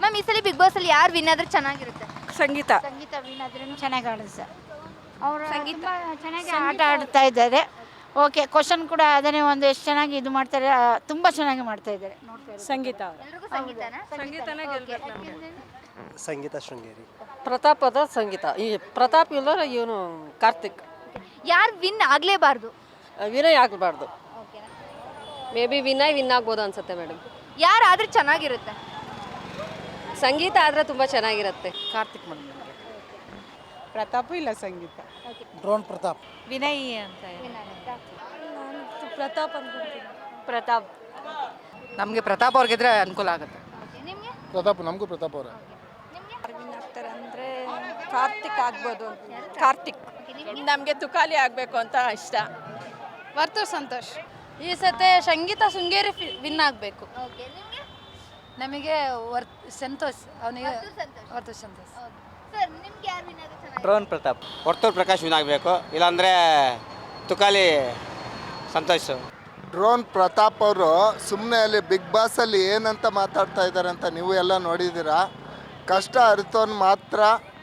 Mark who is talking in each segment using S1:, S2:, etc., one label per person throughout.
S1: Ma'am ಈ ಸಲ big boss ಅಲ್ಲಿ ಯಾರು ವಿನ್ ಆದ್ರೆ ಚೆನ್ನಾಗಿರುತ್ತೆ?
S2: ಸಂಗೀತ
S3: ವಿನ್ ಆದ್ರೂ ಚೆನ್ನಾಗಿ ಆಡಿಸ ಅವರು ತುಂಬ ಚೆನ್ನಾಗಿ ಆಟ ಆಡ್ತಾ ಇದ್ದಾರೆ. ಓಕೆ, ಕ್ವಶನ್ ಕೂಡ ಅದನ್ನೇ ಒಂದು ಎಷ್ಟು ಚೆನ್ನಾಗಿ ಇದು ಮಾಡ್ತಾರೆ, ತುಂಬ ಚೆನ್ನಾಗಿ ಮಾಡ್ತಾ ಇದ್ದಾರೆ.
S2: ಸಂಗೀತ
S1: ಎಲ್ರಿಗೂ ಸಂಗೀತನಾ?
S2: ಸಂಗೀತನೇ ಗೆಲ್ಬೇಕು ನಮಗೆ.
S4: ಸಂಗೀತ ಶೃಂಗೇರಿ.
S5: ಪ್ರತಾಪದ ಸಂಗೀತ. ಈ ಪ್ರತಾಪ್ ಇಲ್ಲ ಇವನು ಕಾರ್ತಿಕ್.
S1: ಯಾರು ವಿನ್ ಆಗ್ಲೇಬಾರ್ದು?
S5: ವಿನಯ್ ಆಗಬಾರ್ದು. ಮೇ ಬಿ ವಿನ್ ಆಗ್ಬೋದು ಅನ್ಸುತ್ತೆ ಮೇಡಮ್.
S1: ಯಾರಾದ್ರೆ ಚೆನ್ನಾಗಿರುತ್ತೆ?
S5: ಸಂಗೀತ ಆದರೆ ತುಂಬ ಚೆನ್ನಾಗಿರುತ್ತೆ.
S2: ಕಾರ್ತಿಕ್ ಮೇಡಮ್. ಪ್ರತಾಪ್ ಇಲ್ಲ ಸಂಗೀತ.
S4: ಡ್ರೋನ್ ಪ್ರತಾಪ್.
S2: ವಿನಯ್ ಅಂತ. ಪ್ರತಾಪ್ ಅನ್ಕೊಂತೀನಿ. ಪ್ರತಾಪ್. ನಮಗೆ ಪ್ರತಾಪ್ ಅವ್ರಿಗಿದ್ರೆ ಅನುಕೂಲ ಆಗುತ್ತೆ.
S1: ನಿಮಗೆ?
S4: ಪ್ರತಾಪ್, ನಮಗೂ ಪ್ರತಾಪ್ ಅವರ.
S2: ಅಂದರೆ ಕಾರ್ತಿಕ್ ಆಗ್ಬೋದು. ಕಾರ್ತಿಕ್. ನಮಗೆ ತುಕಾಲಿ ಆಗಬೇಕು ಅಂತ ಇಷ್ಟ. ವರ್ತು ಸಂತೋಷ್.
S6: ಈ ಸತೆ ಸಂಗೀತ ಶೃಂಗೇರಿ ವಿನ್ ಆಗಬೇಕು.
S1: ಓಕೆ, ನಿಮಗೆ?
S6: ನಮಗೆ ಸಂತೋಷ್, ಅವನಿಗೆ ವರ್ತು ಸಂತೋಷ್.
S1: ಸರ್ ನಿಮ್ಗೆ ಯಾರು ವಿನ್ ಆದ್ರೆ ಚೆನ್ನಾಗಿ?
S7: ಡ್ರೋನ್ ಪ್ರತಾಪ್. ವರ್ತೂರ್ ಪ್ರಕಾಶ್ ವಿನ್ ಆಗಬೇಕು, ಇಲ್ಲಾಂದರೆ ತುಕಾಲಿ ಸಂತೋಷ್.
S8: ಡ್ರೋನ್ ಪ್ರತಾಪ್ ಅವರು ಸುಮ್ಮನೆ ಅಲ್ಲಿ ಬಿಗ್ ಬಾಸಲ್ಲಿ ಏನಂತ ಮಾತಾಡ್ತಾ ಇದ್ದಾರೆ ಅಂತ ನೀವು ಎಲ್ಲ ನೋಡಿದ್ದೀರಾ. ಕಷ್ಟ ಅರಿತೋನ್ ಮಾತ್ರ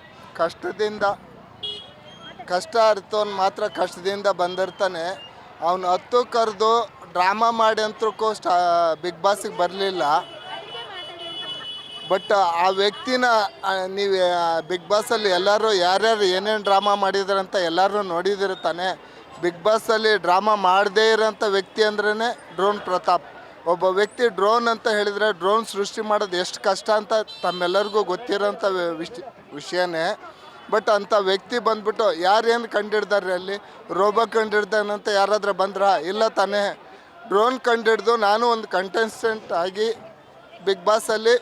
S8: ಕಷ್ಟದಿಂದ ಬಂದಿರ್ತಾನೆ. ಅವನು ಹತ್ತು ಕರೆದು ಡ್ರಾಮಾ ಮಾಡಿ ಅಂತಕ್ಕೂ ಬಿಗ್ ಬಾಸಿಗೆ ಬರಲಿಲ್ಲ. ಬಟ್ ಆ ವ್ಯಕ್ತಿನ ನೀವು ಬಿಗ್ ಬಾಸಲ್ಲಿ ಎಲ್ಲರೂ ಯಾರ್ಯಾರು ಏನೇನು ಡ್ರಾಮಾ ಮಾಡಿದಾರೆ ಅಂತ ಎಲ್ಲರೂ ನೋಡಿದಿರ್ತಾನೆ. ಬಿಗ್ ಬಾಸಲ್ಲಿ ಡ್ರಾಮಾ ಮಾಡದೇ ಇರೋಂಥ ವ್ಯಕ್ತಿ ಅಂದ್ರೇ ಡ್ರೋನ್ ಪ್ರತಾಪ್. ಒಬ್ಬ ವ್ಯಕ್ತಿ ಡ್ರೋನ್ ಅಂತ ಹೇಳಿದರೆ ಡ್ರೋನ್ ಸೃಷ್ಟಿ ಮಾಡೋದು ಎಷ್ಟು ಕಷ್ಟ ಅಂತ ತಮ್ಮೆಲ್ಲರಿಗೂ ಗೊತ್ತಿರೋಂಥ ವಿಷಯನೇ. ಬಟ್ ಅಂಥ ವ್ಯಕ್ತಿ ಬಂದ್ಬಿಟ್ಟು ಯಾರೇನು ಕಂಡಿಡ್ದಾರೆ ಅಲ್ಲಿ? ರೋಬೋ ಕಂಡಿಡ್ದಾನಂತ ಯಾರಾದರೂ ಬಂದ್ರಾ? ಇಲ್ಲ ತಾನೇ. ಡ್ರೋನ್ ಕಂಡಿಡ್ದು ನಾನು ಒಂದು ಕಂಟೆಸ್ಟೆಂಟ್ ಆಗಿ ಬಿಗ್ ಬಾಸಲ್ಲಿ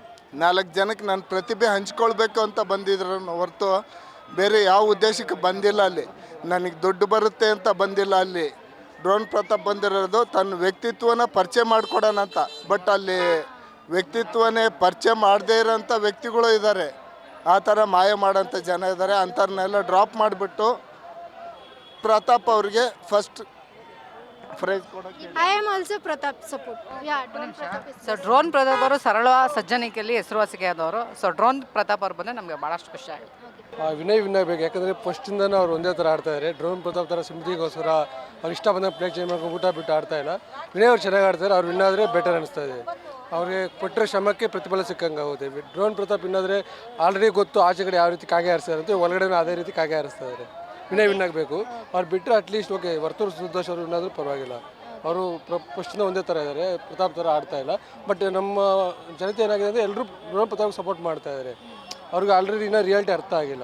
S8: 4 ಜನಕ್ಕೆ ನನ್ನ ಪ್ರತಿಭೆ ಹಂಚ್ಕೊಳ್ಬೇಕು ಅಂತ ಬಂದಿದ್ರು ಹೊರತು ಬೇರೆ ಯಾವ ಉದ್ದೇಶಕ್ಕೆ ಬಂದಿಲ್ಲ. ಅಲ್ಲಿ ನನಗೆ ದುಡ್ಡು ಬರುತ್ತೆ ಅಂತ ಬಂದಿಲ್ಲ. ಅಲ್ಲಿ ಡ್ರೋನ್ ಪ್ರತಾಪ್ ಬಂದಿರೋದು ತನ್ನ ವ್ಯಕ್ತಿತ್ವನ ಪರಿಚಯ ಮಾಡಿಕೊಡೋಣ ಅಂತ. ಬಟ್ ಅಲ್ಲಿ ವ್ಯಕ್ತಿತ್ವನೇ ಪರಿಚಯ ಮಾಡದೇ ಇರೋಂಥ ವ್ಯಕ್ತಿಗಳು ಇದ್ದಾರೆ. ಆ ಥರ ಮಾಯ ಮಾಡೋಂಥ ಜನ ಇದ್ದಾರೆ. ಅಂಥವ್ರನ್ನೆಲ್ಲ ಡ್ರಾಪ್ ಮಾಡಿಬಿಟ್ಟು ಪ್ರತಾಪ್ ಅವ್ರಿಗೆ ಫಸ್ಟ್ ಪ್ರೈಸ್ ಕೊಡೋಕ್ಕೆ.
S3: I am also Prathap support.
S2: So drone Prathap ಅವರು ಸರಳ ಸಜ್ಜನಿಕೆಯಲ್ಲಿ ಹೆಸರುವಾಸಿಗೆ ಆದವರು. ಸೊ ಡ್ರೋನ್ ಪ್ರತಾಪ್ ಅವ್ರು ಬಂದರೆ ನಮಗೆ ಭಾಳಷ್ಟು ಖುಷಿ ಆಗುತ್ತೆ.
S9: ವಿನಯ್ ಬೇಕು, ಯಾಕಂದರೆ ಫಸ್ಟಿಂದನೂ ಅವ್ರು ಒಂದೇ ಥರ ಆಡ್ತಾಯಿದ್ದಾರೆ. ಡ್ರೋನ್ ಪ್ರತಾಪ್ ಥರ ಸಿಂಪತಿಗೋಸ್ಕರ ಅವ್ರು ಇಷ್ಟ ಬಂದಾಗ ಪ್ಲೇಟ್ ಚೇಂಜ್ ಮಾಡ್ಕೊಂಡು ಊಟ ಬಿಟ್ಟು ಆಡ್ತಾ ಇಲ್ಲ. ವಿನಯ್ ಅವ್ರು ಚೆನ್ನಾಗಿ ಆಡ್ತಾರೆ. ಅವ್ರು ವಿನ್ನಾದರೆ ಬೆಟರ್ ಅನಿಸ್ತಾ ಇದೆ. ಅವ್ರಿಗೆ ಕೊಟ್ಟರೆ ಶ್ರಮಕ್ಕೆ ಪ್ರತಿಫಲ ಸಿಕ್ಕಂಗೆ ಆಗುತ್ತೆ. ಡ್ರೋನ್ ಪ್ರತಾಪ್ ಇನ್ನಾದರೆ ಆಲ್ರೆಡಿ ಗೊತ್ತು ಆಚೆ ಕಡೆ ಯಾವ ರೀತಿ ಕಾಗೆ ಹಾರಿಸ್ತಾರೆ ಅಂತ, ಒಳಗಡೆ ಅದೇ ರೀತಿ ಕಾಗೆ ಹಾರಿಸ್ತಾ ಇದ್ದಾರೆ. ವಿನಯ್ ವಿನ್ ಆಗಬೇಕು. ಅವ್ರು ಬಿಟ್ಟರೆ ಅಟ್ಲೀಸ್ಟ್ ಓಕೆ ವರ್ತೂರು ಸಂತೋಷ್ ಅವರು ಇನ್ನಾದರೂ ಪರವಾಗಿಲ್ಲ. ಅವರು ಫಸ್ಟಿಂದ ಒಂದೇ ಥರ ಇದ್ದಾರೆ, ಪ್ರತಾಪ್ ಥರ ಆಡ್ತಾ ಇಲ್ಲ. ಬಟ್ ನಮ್ಮ ಜನತೆ ಏನಾಗಿದೆ ಅಂದರೆ ಎಲ್ಲರೂ ಡ್ರೋನ್ ಪ್ರತಾಪ್ ಸಪೋರ್ಟ್ ಮಾಡ್ತಾ ಇದ್ದಾರೆ. ಅವ್ರಿಗೆ ಆಲ್ರೆಡಿ ಇನ್ನೂ ರಿಯಾಲಿಟಿ ಅರ್ಥ ಆಗಿಲ್ಲ.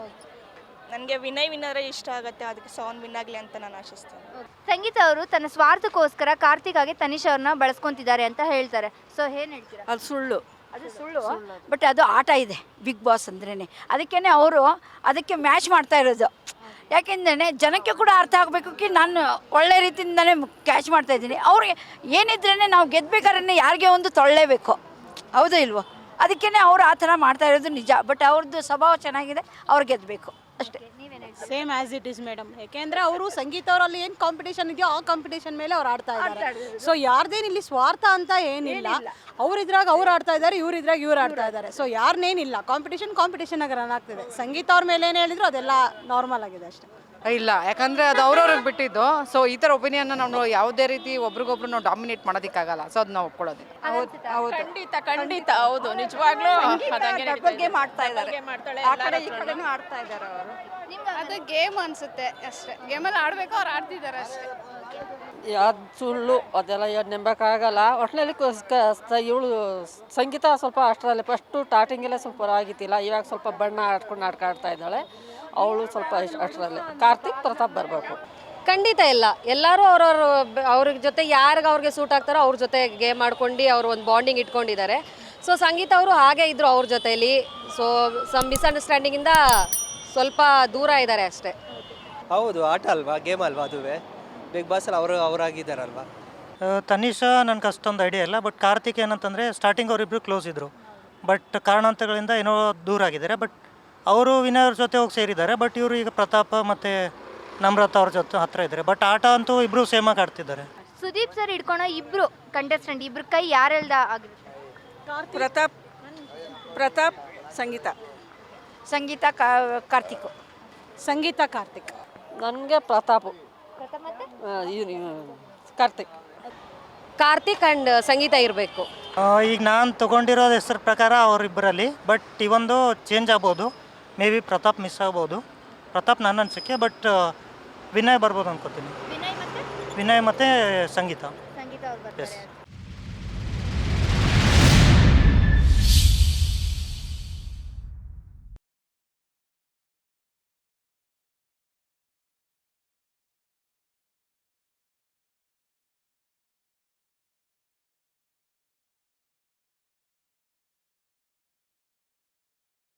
S10: ನನಗೆ ವಿನಯ್ ವಿನ್ನರೇ ಇಷ್ಟ ಆಗುತ್ತೆ. ಅದಕ್ಕೆ ಸಾಂಗ್ ವಿನ್ ಆಗಲಿ ಅಂತ ನಾನು ಆಶಿಸ್ತೇನೆ.
S1: ಸಂಗೀತ ಅವರು ತನ್ನ ಸ್ವಾರ್ಥಕ್ಕೋಸ್ಕರ ಕಾರ್ತಿಕ್ ಆಗಿ ತನಿಷ್ ಅವ್ರನ್ನ ಬಳಸ್ಕೊಂತಿದ್ದಾರೆ ಅಂತ ಹೇಳ್ತಾರೆ. ಸೊ ಏನ್ ಹೇಳ್ತೀರಾ?
S2: ಅದು ಸುಳ್ಳು.
S3: ಅದು ಸುಳ್ಳು. ಬಟ್ ಅದು ಆಟ ಇದೆ ಬಿಗ್ ಬಾಸ್ ಅಂದ್ರೇ. ಅದಕ್ಕೇ ಅವರು ಅದಕ್ಕೆ ಮ್ಯಾಚ್ ಮಾಡ್ತಾ ಇರೋದು. ಯಾಕೆಂದ್ರೆ ಜನಕ್ಕೆ ಕೂಡ ಅರ್ಥ ಆಗಬೇಕು ಕಿ ನಾನು ಒಳ್ಳೆ ರೀತಿಯಿಂದಲೇ ಕ್ಯಾಚ್ ಮಾಡ್ತಾಯಿದ್ದೀನಿ. ಅವ್ರಿಗೆ ಏನಿದ್ರೇ ನಾವು ಗೆದ್ಬೇಕಾದ್ರೆ ಯಾರಿಗೆ ಒಂದು ತೊಳ್ಳೇಬೇಕು, ಹೌದಾ ಇಲ್ವೋ? ಅದಕ್ಕೇ ಅವರು ಆ ಥರ ಮಾಡ್ತಾ ಇರೋದು ನಿಜ. ಬಟ್ ಅವ್ರದ್ದು ಸ್ವಭಾವ ಚೆನ್ನಾಗಿದೆ, ಅವ್ರು ಗೆದ್ದಬೇಕು ಅಷ್ಟೇ.
S10: Same as it is madam. ಯಾಕೆಂದರೆ ಅವರು ಸಂಗೀತ ಅವರಲ್ಲಿ ಏನು ಕಾಂಪಿಟೇಷನ್ ಇದೆಯೋ ಆ ಕಾಂಪಿಟೇಷನ್ ಮೇಲೆ ಅವ್ರು ಆಡ್ತಾ ಇದ್ದಾರೆ. ಸೊ ಯಾರ್ದೇನು ಇಲ್ಲಿ ಸ್ವಾರ್ಥ ಅಂತ ಏನಿಲ್ಲ. ಅವ್ರಿದ್ರಾಗ ಅವ್ರು ಆಡ್ತಾ ಇದ್ದಾರೆ, ಇವ್ರಿದ್ರಾಗ ಇವ್ರು ಆಡ್ತಾ ಇದ್ದಾರೆ. ಸೊ ಯಾರನ್ನೇನಿಲ್ಲ, ಕಾಂಪಿಟೇಷನ್ ಆಗಿ ರನ್ ಆಗ್ತಿದೆ. ಸಂಗೀತ ಅವ್ರ ಮೇಲೆ ಏನು ಹೇಳಿದ್ರು ಅದೆಲ್ಲ ನಾರ್ಮಲ್ ಆಗಿದೆ ಅಷ್ಟೇ.
S2: ಇಲ್ಲ, ಯಾಕಂದರೆ ಅದು ಅವ್ರವ್ರಿಗೆ ಬಿಟ್ಟಿದ್ದು. ಸೊ ಈ ಥರ ಒಪಿನಿಯನ್ನ ನಾವು ಯಾವುದೇ ರೀತಿ ಒಬ್ರಿಗೊಬ್ರು ನಾವು ಡಾಮಿನೇಟ್ ಮಾಡೋದಕ್ಕಾಗಲ್ಲ. ಸೊ ಅದು ನಾವು ಒಪ್ಕೊಳ್ಳೋದಿಲ್ಲ.
S10: ಹೌದು, ಖಂಡಿತ ಹೌದು, ನಿಜವಾಗ್ಲೂ
S2: ಬಗ್ಗೆ ಮಾಡ್ತಾ ಇದ್ದಾರೆ. ಆ ಕಡೆ ಈ ಕಡೆನೂ ಆಡ್ತಾ ಇದ್ದಾರೆ ಅವರು.
S6: ಅದು ಗೇಮ್ ಅನ್ಸುತ್ತೆ ಅಷ್ಟೇ. ಗೇಮಲ್ಲಿ ಆಡಬೇಕು, ಅವ್ರು ಆಡ್ತಿದ್ದಾರೆ ಅಷ್ಟೇ.
S5: ಅದು ಸುಳ್ಳು, ಅದೆಲ್ಲ ಏನು ನಂಬಕ್ಕಾಗಲ್ಲ. ಒಟ್ಟಿನಲ್ಲಿ ಇವಳು ಸಂಗೀತ ಸ್ವಲ್ಪ ಅಷ್ಟರಲ್ಲಿ ಫಸ್ಟು ಸ್ಟಾರ್ಟಿಂಗೆಲ್ಲ ಸ್ವಲ್ಪ ಆಗಿತ್ತಿಲ್ಲ. ಇವಾಗ ಸ್ವಲ್ಪ ಬಣ್ಣ ಆಡ್ತಾ ಇದ್ದಾಳೆ. ಅವಳು ಸ್ವಲ್ಪ ಅಷ್ಟರಲ್ಲಿ. ಕಾರ್ತಿಕ್ ಪ್ರತಾಪ್ ಬರಬೇಕು.
S11: ಖಂಡಿತ ಇಲ್ಲ, ಎಲ್ಲರೂ ಅವ್ರ ಜೊತೆ ಅವ್ರಿಗೆ ಸೂಟ್ ಆಗ್ತಾರೋ ಅವ್ರ ಜೊತೆ ಗೇಮ್ ಆಡ್ಕೊಂಡು ಅವರು ಒಂದು ಬಾಂಡಿಂಗ್ ಇಟ್ಕೊಂಡಿದ್ದಾರೆ. ಸೊ ಸಂಗೀತ ಅವರು ಹಾಗೆ ಇದ್ದರು ಅವ್ರ ಜೊತೆಯಲ್ಲಿ. ಸೊ ಮಿಸ್ಅಂಡರ್ಸ್ಟ್ಯಾಂಡಿಂಗಿಂದ ಸ್ವಲ್ಪ ದೂರ ಇದ್ದಾರೆ ಅಷ್ಟೇ.
S4: ಹೌದು, ಆಟ ಅಲ್ವಾ, ಗೇಮ್ ಅಲ್ವಾ, ಅದುವೇ ಬಿಗ್ ಬಾಸಲ್ಲಿ ಅವರಾಗಿದ್ದಾರಲ್ವಾ.
S12: ತನಿಷಾ ನನಗೆ ಅಷ್ಟೊಂದು ಐಡಿಯಾ ಇಲ್ಲ. ಬಟ್ ಕಾರ್ತಿಕ್ ಏನಂತಂದರೆ ಸ್ಟಾರ್ಟಿಂಗ್ ಅವರಿಬ್ಬರು ಕ್ಲೋಸ್ ಇದ್ದರು. ಬಟ್ ಕಾರಣಾಂತರಗಳಿಂದ ಏನೋ ದೂರ ಆಗಿದ್ದಾರೆ. ಬಟ್ ಅವರು ವಿನಯ್ ಜೊತೆ ಹೋಗಿ ಸೇರಿದ್ದಾರೆ. ಬಟ್ ಇವರು ಈಗ ಪ್ರತಾಪ ಮತ್ತು ನಮ್ರತ ಅವ್ರ ಜೊತೆ ಹತ್ರ ಇದ್ದಾರೆ. ಬಟ್ ಆಟ ಅಂತೂ ಇಬ್ಬರು ಸೇಮಾಗಿ ಆಡ್ತಿದ್ದಾರೆ.
S1: ಸುದೀಪ್ ಸರ್ ಹಿಡ್ಕೊಳೋ ಇಬ್ರು ಕಂಟೆಸ್ಟೆಂಟ್, ಇಬ್ರು ಕೈ ಯಾರೆಲ್ದ ಆಗಿರುತ್ತೆ?
S2: ಪ್ರತಾಪ್
S10: ಪ್ರತಾಪ್, ಸಂಗೀತ.
S3: ಸಂಗೀತ ಕಾರ್ತಿಕ್.
S10: ಸಂಗೀತ, ಕಾರ್ತಿಕ್.
S5: ನನಗೆ ಪ್ರತಾಪು, ಕಾರ್ತಿಕ್.
S11: ಕಾರ್ತಿಕ್ ಆ್ಯಂಡ್ ಸಂಗೀತ ಇರಬೇಕು.
S12: ಈಗ ನಾನು ತೊಗೊಂಡಿರೋದು ಹೆಸರು ಪ್ರಕಾರ ಅವರಿಬ್ಬರಲ್ಲಿ, ಬಟ್ ಇವೊಂದು ಚೇಂಜ್ ಆಗ್ಬೋದು. ಮೇ ಬಿ ಪ್ರತಾಪ್ ಮಿಸ್ ಆಗ್ಬೋದು. ಪ್ರತಾಪ್ ನನ್ನ ಅನಿಸಿಕೆ, ಬಟ್ ವಿನಯ್ ಬರ್ಬೋದು ಅನ್ಕೋತೀನಿ.
S1: ವಿನಯ್ ಮತ್ತೆ
S12: ವಿನಯ್ ಮತ್ತು ಸಂಗೀತ.
S1: ಸಂಗೀತ ಅವ್ರು ಬರ್ತಾರೆ.
S12: Yes.